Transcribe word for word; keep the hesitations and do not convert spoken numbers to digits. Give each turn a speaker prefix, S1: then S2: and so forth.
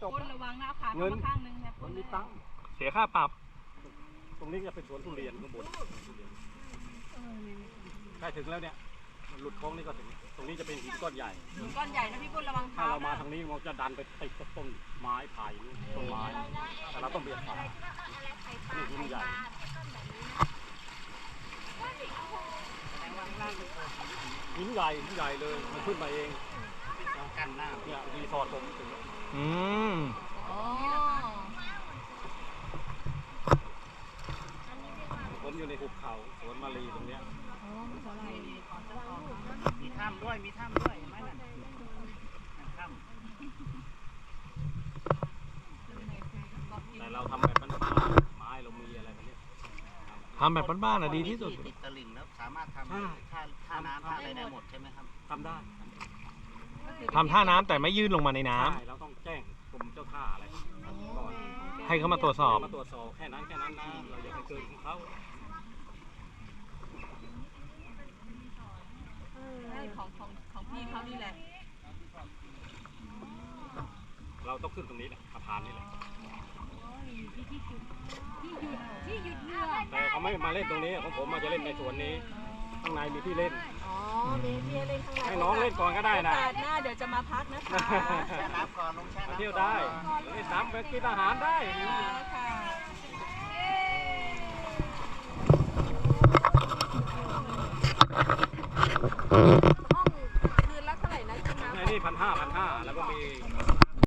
S1: จบ
S2: คนระวังนะขาเข้ามาข้างนึงครับ
S1: มันมีตังค์
S3: เสียค่าปรับ
S1: ตรงนี้จะเป็นสวนทุเรียนข้างบนใกล้ถึงแล้วเนี่ยมันหลุดโค้งนี่ก็ถึงตรงนี้จะเป็นหินก้อนใหญ่
S2: หินก้อนใหญ่นะพี่ปุ้นระวัง
S1: ถ้า
S2: เท้า
S1: เรามาทางนี้มันจะดันไปติดกับต้นไม้ไผ่ต้นไม้แต่เราต้องเบียดฝ่านี่หินใหญ่หินใหญ่หินใหญ่เลยมันขึ้นมาเองกันหน้าเนี่ยรีสอร์ทผมถึง
S3: อืม
S2: อ๋อ
S1: ผมอยู่ในหุบเขาสวนมาลีตรงเนี้ย
S4: มีถ้ำด้วยมีถ้ำด้วยเห็นไหมนั่นถ้ำ
S1: แต่เราทำแบบบ้านๆไม้เรามีอะไรแบบนี้
S3: ทำแบบบ้านๆอ่ะดีที่สุด
S4: ติดตลิ่งแล้วสามารถทำท่าท่าน้ำท่าอะไรได้หมดใช่ไหมครับ
S1: ทำได้
S3: ทำท่าน้ำแต่ไม่ยื่นลงมาในน้ำ
S1: ใช่เราต้องแจ้งกรมเจ้าท่าอะไรก่อน
S3: ให้เขามาตรวจสอบ
S1: มาตรวจสอบแค่นั้นแค่นั้นนะเราอย่าไปเกินของเขา
S2: ใช่ของของของพี่เขานี่แหละ
S1: เราต้องขึ้นตรงนี้แหละสะพานนี่แหละแต่เขาไม่มาเล่นตรงนี้ของผมมาจะเล่นในสวนนี้ข้างในมีที่เล่น
S2: อ๋อมีพี่เล่นข้างใน
S1: ให้น้องเล่นก่อนก็ได้นะ
S2: โอกาสหน้าเดี๋ยวจะมาพักนะคะ
S4: แช่น้ำก่อนลงแช่
S1: มา
S4: น้ำ
S1: เที่ยวได้เล่นน้ำไปกินอาหารได้
S2: ค่ะ